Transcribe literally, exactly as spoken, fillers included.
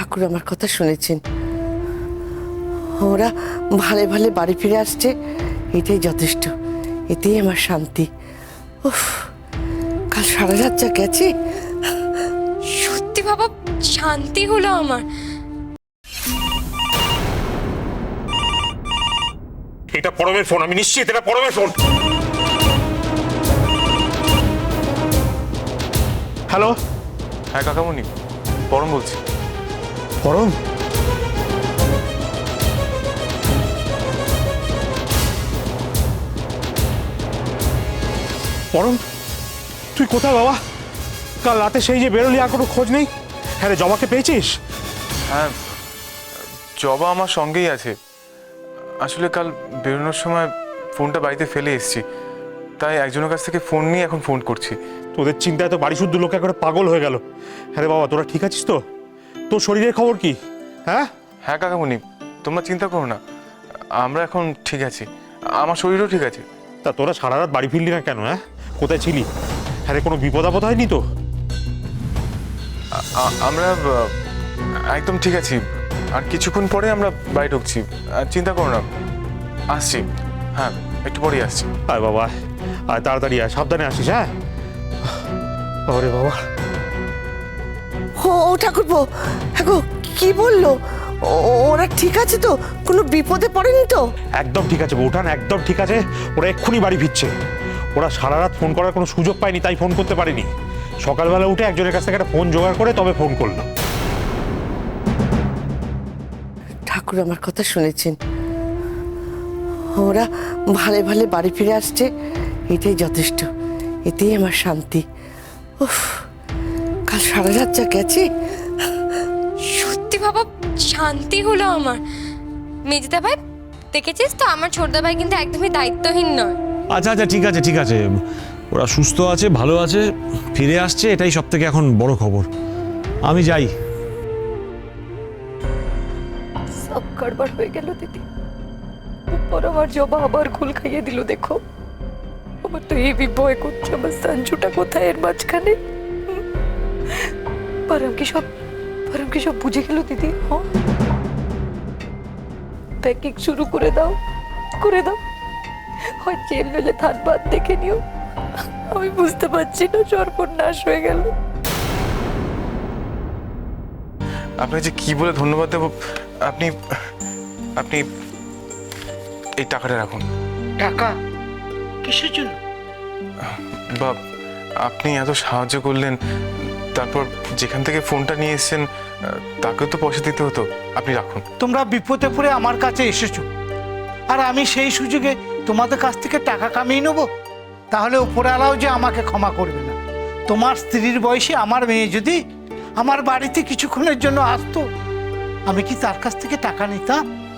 ঠাকুর আমার কথা শুনেছেন, ওরা ভালে ভালে বাড়ি ফিরে আসছে, এটাই যথেষ্ট, এতেই আমার শান্তি। উফ, কাল সারা রাত যা গেছে। সত্যি বাবা, শান্তি হলো আমার। এটা পরমের ফোন, আমি নিশ্চিত এটা পরমের ফোন। হ্যালো। হ্যাঁ কাকামণি, পরম বলছি। পরম, পরম তুই কোথায় বাবা? কাল রাতে সেই যে বেরোলি, আর কোনো খোঁজ নেই। হ্যাঁ রে, জবাকে পেয়েছিস? হ্যাঁ, জবা আমার সঙ্গেই আছে। আসলে কাল বেরোনোর সময় ফোনটা বাড়িতে ফেলে এসেছি, তাই একজনের কাছ থেকে ফোন নিয়ে এখন ফোন করছি। তোদের চিন্তায় তো বাড়ি শুদ্ধ লোক একবারে পাগল হয়ে গেল। হ্যাঁ রে বাবা, তোরা ঠিক আছিস তো? তোর শরীরের খবর কি? হ্যাঁ হ্যাঁ কাকামণি, তোমরা চিন্তা করো না, আমরা এখন ঠিক আছি, আমার শরীরও ঠিক আছে। তা তোরা সারা রাত বাড়ি ফিরলি না কেন? হ্যাঁ, কোথায় ছিলি? হ্যাঁ রে, কোনো বিপদ আপদ হয়নি তো? আ- আমরা আহ, একদম ঠিক আছি, আর কিছুক্ষণ পরে আমরা বাড়ি ঢুকছি, আর চিন্তা করো না, আসছি। হ্যাঁ, একটু পরেই আসছি। আয় বাবা, আয় তাড়াতাড়ি আয়, সাবধানে আসিস। হ্যাঁ ওরে বাবা। ও ও ঠাকুরপো, হ্যাঁ গো, কি বললো? ও- ওরা ঠিক আছে তো? কোনো বিপদে পড়েনি তো? একদম ঠিক আছে বৌঠান, একদম ঠিক আছে। ওরা এক্ষুনি বাড়ি ফিরছে। ওরা সারা রাত ফোন করার কোনো সুযোগ পায়নি, তাই ফোন করতে পারেনি। সকালবেলা উঠে একজনের কাছ থেকে একটা ফোন জোগাড় করে তবে ফোন করলাম। ঠাকুর আমার কথা শুনেছেন, ওরা ভালে ভালে বাড়ি ফিরে আসছে, এটাই যথেষ্ট, এতেই আমার শান্তি। উফ, কাল সারা রাত যা গেছে। সত্যি বাবা, শান্তি হলো আমার। মেজদা ভাই, দেখেছিস তো আমার ছোটদা ভাই কিন্তু একদমই দায়িত্বহীন নয়। আচ্ছা আচ্ছা ঠিক আছে ঠিক আছে, ওরা সুস্থ আছে, ভালো আছে, ফিরে আসছে, এটাই সব থেকে এখন বড় খবর। আমি যাই। সব গড়বড় হয়ে গেল দিদি। উপর আমার জবা আবার ঘুল খাইয়ে দিল। দেখো, আমার তো এই ভয় করছে, আমার সঞ্জুটা কোথায় এর মাঝখানে? পরম কি সব পরম কি সব বুঝে গেল দিদি? হ্যাঁ, প্যাকিং শুরু করে দাও, করে দাও। হয় জেল নইলে ধানবাদ দেখে নিও। আমি বুঝতে পারছি না, সর্বনাশ হয়ে গেল। আপনাকে যে কি বলে ধন্যবাদ দেবো। আপনি আপনি এই টাকাটা রাখুন। টাকা কিসের জন্য? বাপ, আপনি এত সাহায্য করলেন, তারপর যেখান থেকে ফোনটা নিয়ে এসেছেন তাকেও তো পয়সা দিতে হতো। আপনি রাখুন। তোমরা বিপদে পড়ে আমার কাছে এসেছো, আর আমি সেই সুযোগে তোমাদের কাছ থেকে টাকা কামিয়ে নেব? তাহলে উপরওয়ালাও যে আমাকে ক্ষমা করবে না। তোমার স্ত্রীর বয়সে আমার মেয়ে যদি আমার বাড়িতে কিছুক্ষণের জন্য আসতো, আমি কি তার কাছ থেকে টাকা নিতাম?